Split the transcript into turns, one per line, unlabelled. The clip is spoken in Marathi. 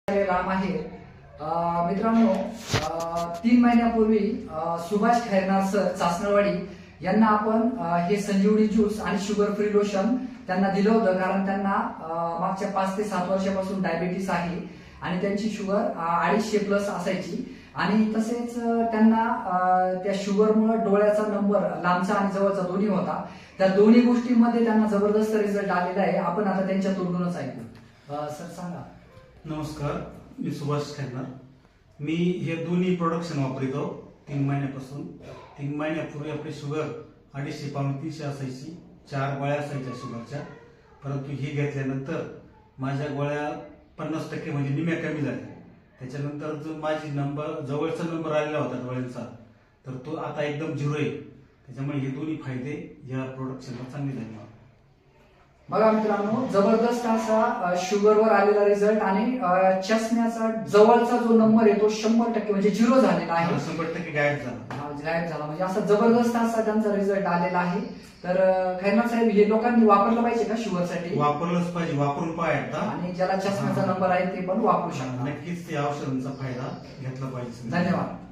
राम आहे. मित्रांनो, 3 महिन्यापूर्वी सुभाष खैरनार सर चासनवाडी यांना आपण हे संजीवनी ज्यूस आणि शुगर फ्री लोशन त्यांना दिलं होतं, कारण त्यांना मागच्या 5 ते 7 वर्षापासून डायबिटीस आहे आणि त्यांची शुगर 250+ असायची. आणि तसेच त्यांना त्या शुगरमुळे डोळ्याचा नंबर लांबचा आणि जवळचा दोन्ही होता. त्या दोन्ही गोष्टींमध्ये त्यांना जबरदस्त रिझल्ट आलेला आहे. आपण आता त्यांच्या तोंडूनच ऐकू. सर सांगा.
नमस्कार, मी सुभाष खैरनार. मी हे दोन्ही प्रोडक्शन वापरतो 3 महिन्यापासून. 3 महिन्यापूर्वी आपली शुगर 250-300 असायची, 4 गोळ्या असायच्या शुगरच्या. परंतु ही घेतल्यानंतर माझ्या गोळ्या 50% म्हणजे निम्या कमी झाल्या. त्याच्यानंतर जो माझी जवळचा नंबर आलेला होता डोळ्यांचा, तर तो आता एकदम 0 आहे. त्याच्यामुळे हे दोन्ही फायदे या प्रोडक्शनला चांगले झाले.
बघा मित्रांनो, जबरदस्त असा शुगरवर आलेला रिझल्ट आणि चष्म्याचा जवळचा जो नंबर आहे तो 100% म्हणजे 0 झालेला आहे.
100% गायब झाला.
गायब झाला म्हणजे असा जबरदस्त असा त्यांचा रिझल्ट आलेला आहे. तर खैरनार साहेब, हे लोकांनी वापरलं पाहिजे का शुगरसाठी?
वापरलंच पाहिजे, वापरून पाहायचा.
आणि ज्याला चष्म्याचा नंबर आहे ते पण वापरू शकतात.
नक्कीच या औषधांचा फायदा घेतला पाहिजे.
धन्यवाद.